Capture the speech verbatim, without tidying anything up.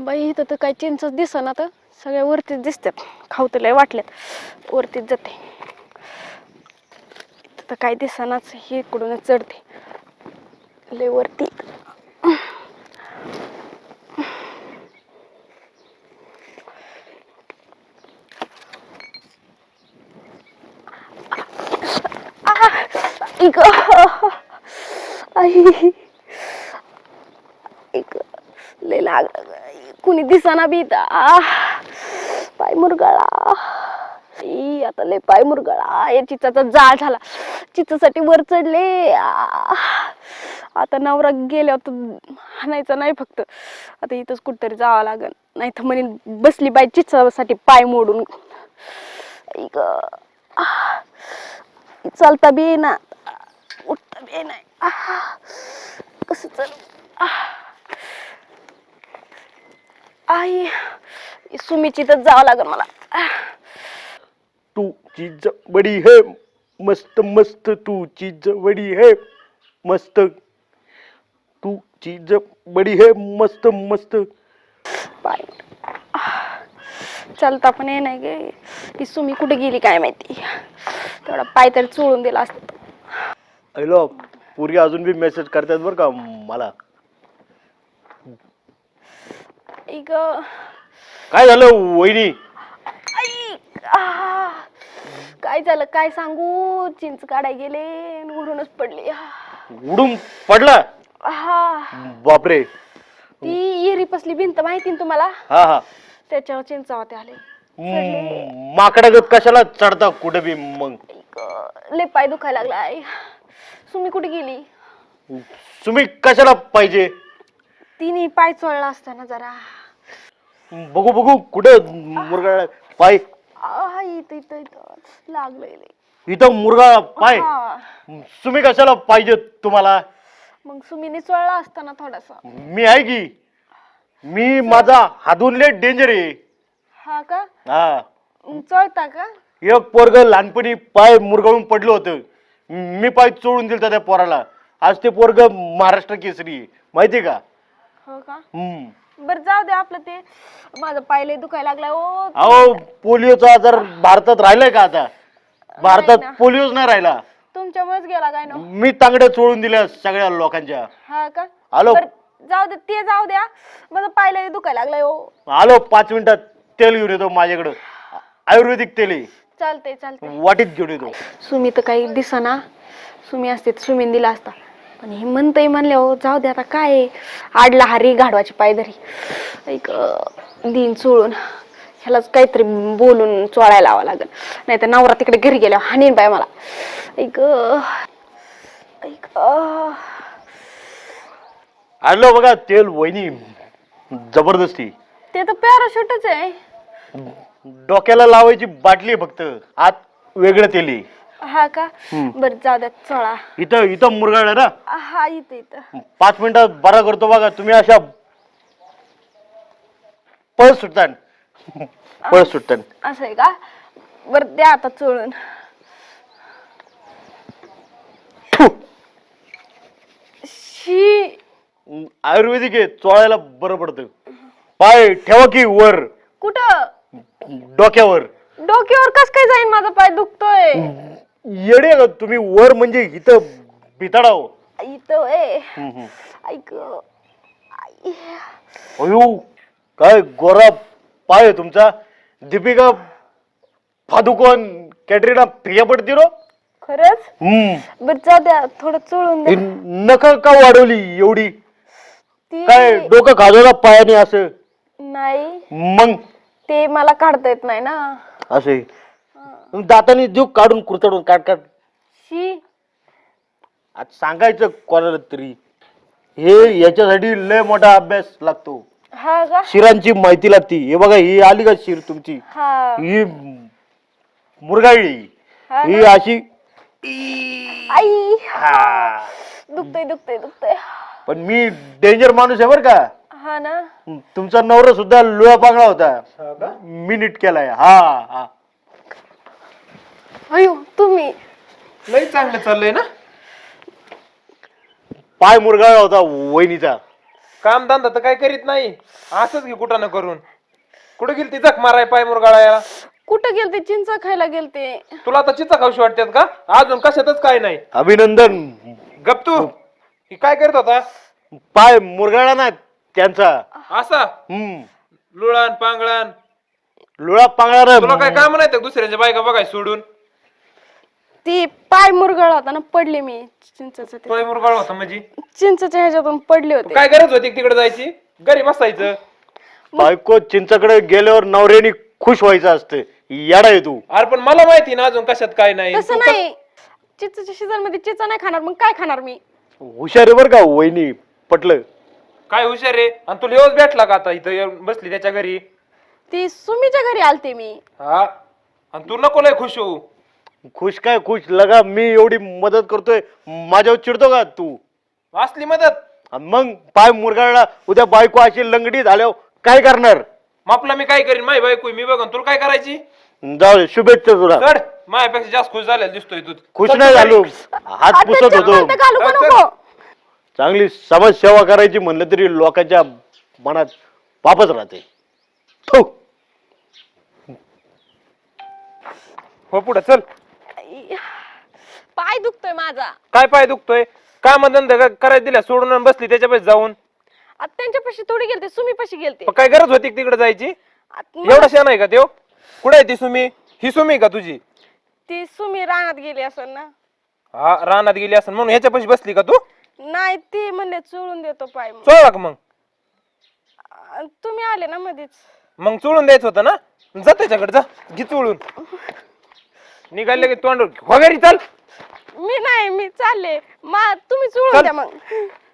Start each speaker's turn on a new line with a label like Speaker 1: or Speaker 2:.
Speaker 1: बाई इथं तर काय चिंचच दिसना, तर सगळ्या वरतीच दिसतात. खाऊ तर लय वाटल्यात, वरतीच जाते. इथं तर काय दिसनाच, हे इकडूनच चढते लय वरती. इक आई इक लय लाग, कुणी दिसना बी इथं. आ पाय मुरगाळा, ई आता लय पाय मुरगाळा. या चिचाचा जाळ झाला, चिचासाठी वर चढले. आ आता नवरा गेल्यावर तर हाणायचं नाही, फक्त आता इथंच कुठतरी जावं लागल, नाही तर म्हणे बसली बाई चिचासाठी पाय मोडून. इक चालता बी येईना, उठता बी येईना. कसं चालू. आई सुमीची तर जावं लागल मला.
Speaker 2: तू चीज बडी है मस्त मस्त, तू चीज बडी है मस्त, तू चीज बडी है मस्त मस्त.
Speaker 1: पाय चालता पण ये नाही गे. ती सुमी कुठे गेली काय माहिती, तेवढा पाय तरी चोळून दिला असत.
Speaker 2: हॅलो, पूर्वी अजून बी मेसेज करतात बरं का मला.
Speaker 1: इक
Speaker 2: काय झालं वहिनी?
Speaker 1: आई आ, काय झालं काय सांगू, चिंच काढाय गेले उडूनच पडली.
Speaker 2: उडून पडला?
Speaker 1: हा
Speaker 2: बापरे.
Speaker 1: ती येरी पसली भिंत माहिती ना तुम्हाला,
Speaker 2: हा हा,
Speaker 1: त्याच्यावर चिंच होते आले.
Speaker 2: माकडागत कशाला चढता कुठे बी मग?
Speaker 1: लय पाय दुखायला लागलाय. सुमी कुठे गेली?
Speaker 2: तुम्ही कशाला पाहिजे?
Speaker 1: तिने पाय चोळला असताना जरा.
Speaker 2: बघू बघू कुठे मुरगा पाय?
Speaker 1: इथं इथं इथं लागलंय.
Speaker 2: इथं मुरगा पाय? तुम्ही कशाला पाहिजे तुम्हाला?
Speaker 1: मग सुमीने चोळला असताना थोडासा.
Speaker 2: मी आहे की, मी माझा हादूनले डेंजर आहे.
Speaker 1: हा का?
Speaker 2: हा,
Speaker 1: चोळता का?
Speaker 2: एक पोरग लहानपणी पाय मुरगाळून पडलं होतं, मी पाय चोळून दिलता त्या पोराला. आज ते पोरग महाराष्ट्र केसरी आहे, माहितीये का?
Speaker 1: हो का?
Speaker 2: हम्म.
Speaker 1: बर जाऊ दे आपलं ते. माझं पाय लय दुखायला लागलाय. ओ
Speaker 2: अहो, पोलिओचा आजार भारतात राहिलाय का आता? भारतात पोलिओच नाही राहिला.
Speaker 1: तुमच्यामुळेच गेला काय ना.
Speaker 2: मी तांगड्या चोळून दिल्या सगळ्या लोकांच्या.
Speaker 1: हा का?
Speaker 2: आलो.
Speaker 1: जाऊ दे ते जाऊ द्या, माझं पाय लय दुखायला लागलाय. ओ
Speaker 2: आलो, पाच मिनिटात तेल घेऊन येतो माझ्याकडं, आयुर्वेदिक तेल आहे.
Speaker 1: चालतंय चालतंय.
Speaker 2: वाटीत घेऊन येतो.
Speaker 1: सुमी तर काही दिसना, सुमी असते सुमीन दिला असता, पण हे म्हणतंय म्हणले. हो जाऊ दे आता, काय आडला हारी गाढवाची पायधरी. एक दिन चोळून ह्यालाच काहीतरी बोलून चोळायला लावा लागेल, नाही तर नवरा तिकडे घरी गेल्यावर हाणीन बाय मला. एक
Speaker 2: आलो बघा तेल वहिनी, जबरदस्ती.
Speaker 1: ते तर पॅराशूटच आहे.
Speaker 2: डोक्याला लावायची बाटली फक्त, आत वेगळं तेल आहे.
Speaker 1: हा का? बर जाऊ द्या, चोळा.
Speaker 2: इथं इथं मुरगाळ ना.
Speaker 1: हा इथं इथं.
Speaker 2: पाच मिनिटात बरा करतो बघा. तुम्ही अशा पळ सुटता पळ सुटता.
Speaker 1: असं आहे का? बर द्या आता चोळून. शी,
Speaker 2: आयुर्वेदिक आहे, चोळायला बरं पडतं. पाय ठेवा की वर.
Speaker 1: कुठं?
Speaker 2: डोक्यावर.
Speaker 1: डोक्यावर कस काय जाईन, माझा पाय दुखतोय.
Speaker 2: येडे का तुम्ही? वर म्हणजे इथं बिताडाव.
Speaker 1: इथं ए ऐक.
Speaker 2: अयो, काय गोरा पाय आहे तुमचा. दीपिका पादुकोण, कॅटरीना फिया पडती रो.
Speaker 1: खरंच?
Speaker 2: हम्म.
Speaker 1: बर जाऊ द्या, थोडं चोळून द्या.
Speaker 2: नख का वाढवली एवढी?
Speaker 1: ती
Speaker 2: काय डोकं खाजवला पायाने असं?
Speaker 1: नाही,
Speaker 2: मग
Speaker 1: ते मला काढता येत नाही ना.
Speaker 2: असे दाताने देऊ काढून कुरतडून काट काट.
Speaker 1: शी,
Speaker 2: आज सांगायचं कोणाला तरी, हे याच्यासाठी लय मोठा अभ्यास लागतो.
Speaker 1: हा का?
Speaker 2: शिरांची माहिती लागती. हे बघा, ही आली का शिर तुमची?
Speaker 1: हा.
Speaker 2: ही मुरगाळी,
Speaker 1: हा
Speaker 2: ही
Speaker 1: ना?
Speaker 2: अशी.
Speaker 1: आई
Speaker 2: हा.
Speaker 1: दुखतय दुखतय दुखतय.
Speaker 2: पण मी डेंजर माणूस आहे बर का.
Speaker 1: हा ना.
Speaker 2: तुमचा नवरा सुद्धा लोळा पांगळा होता, मी नीट केलाय. हा हा.
Speaker 1: अयो तुम्ही
Speaker 3: लई चांगलं चाललंय ना.
Speaker 2: पाय मुरगाळा होता वहिनीचा.
Speaker 3: काम धंदा तर काय करीत नाही, असंच घे कुठं न करून. कुठे गेली ती जख माराय पाय मुरगाळायला?
Speaker 1: कुठं गेलते? चिंच खायला गेलते.
Speaker 3: तुला आता चिचा खाऊशी वाटतात का? अजून कशातच काय नाही.
Speaker 2: अभिनंदन.
Speaker 3: गप तू. ही काय करत होता?
Speaker 2: पाय मुरगाळा ना त्यांचा.
Speaker 3: असा
Speaker 2: हम्म
Speaker 3: लुळान पांगळान.
Speaker 2: लुळा पांगळा
Speaker 3: तुला काय काम नाही तर दुसऱ्याच्या बायका बघाय सोडून?
Speaker 1: ती पाय मुरगळा होता ना, पडले मी चिंचच्या ते-
Speaker 3: तोय मुरगाळ होता म्हणजे
Speaker 1: चिंचच्या ह्याच्यातून पडले होते.
Speaker 3: काय गरज होती तिकडे जायची? घरी बसायचं.
Speaker 2: बायको चिंचाकडे गेल्यावर नवऱ्यानी खुश व्हायचं असतं. येडा आहे तू.
Speaker 3: अरे पण मला माहिती ना अजून कशात काय नाही.
Speaker 1: तसं नाही, चिंचच्या सीझन मध्ये चिंच नाही खाणार, मग काय खाणार मी?
Speaker 2: हुशार आहे बर का वहिनी, पटलं.
Speaker 3: काय हुशार रे? आणि तुला येऊच भेटला का आता इथं येऊन बसली त्याच्या घरी?
Speaker 1: ती सुमीच्या घरी आलते मी.
Speaker 3: हा, आणि तू नको लय खुश होऊ.
Speaker 2: खुश काय खुश लगा, मी एवढी मदत करतोय, माझ्यावर चिडतो का तू?
Speaker 3: असली मदत
Speaker 2: आणि मग पाय मुरगाळला, उद्या बायको अशी लंगडी झाल्यावर काय करणार?
Speaker 3: मापला मी काय करीन? माही बायको मी बघन, तुला काय करायची?
Speaker 2: जाऊ दे, शुभेच्छा तुला.
Speaker 3: चढ, माझ्यापेक्षा जास्त खुश झालेला दिसतोय तू.
Speaker 2: खुश
Speaker 3: चल
Speaker 2: नाही
Speaker 3: तू
Speaker 2: झालो,
Speaker 3: घरी.
Speaker 2: हात
Speaker 1: आता
Speaker 2: पुसत
Speaker 1: चप्पल
Speaker 2: होतो.
Speaker 1: तर घालू का
Speaker 3: चल,
Speaker 1: नको?
Speaker 2: चांगली समाजसेवा करायची म्हणलं तरी लोकांच्या मनात पापच राहते. थू.
Speaker 3: हो पुढे चल.
Speaker 1: पाय दुखतोय माझा.
Speaker 3: काय पाय दुखतोय? काम धंदा करायला दिल्या सोडून आणि बसली त्याच्यापाशी जाऊन.
Speaker 1: आता त्यांच्यापाशी थोडी गेलते, सुमीपाशी गेलते.
Speaker 3: पण काय गरज होती तिकडे जायची?
Speaker 1: आता मला-
Speaker 3: एवढा शान आहे का त्यो? कुठे आहे ती सुमी? ही सुमी का तुझी?
Speaker 1: ती सुमी रानात गेली असेल ना.
Speaker 3: हा, रानात गेली असं म्हणून ह्याच्यापाशी बसली का तू?
Speaker 1: नाही, ती म्हणले चोळून देतो पाय. मग
Speaker 3: चोळला का मग?
Speaker 1: अं, तुम्ही आले ना मध्येच.
Speaker 3: मग चोळून द्यायचं होतं ना. जा त्याच्याकडे, जा घे चोळून. निघाले की तोंड वगैरे. चल
Speaker 1: मी नाही, मी चालले. मा तुम्ही
Speaker 3: चल.
Speaker 1: चोळून द्या मग.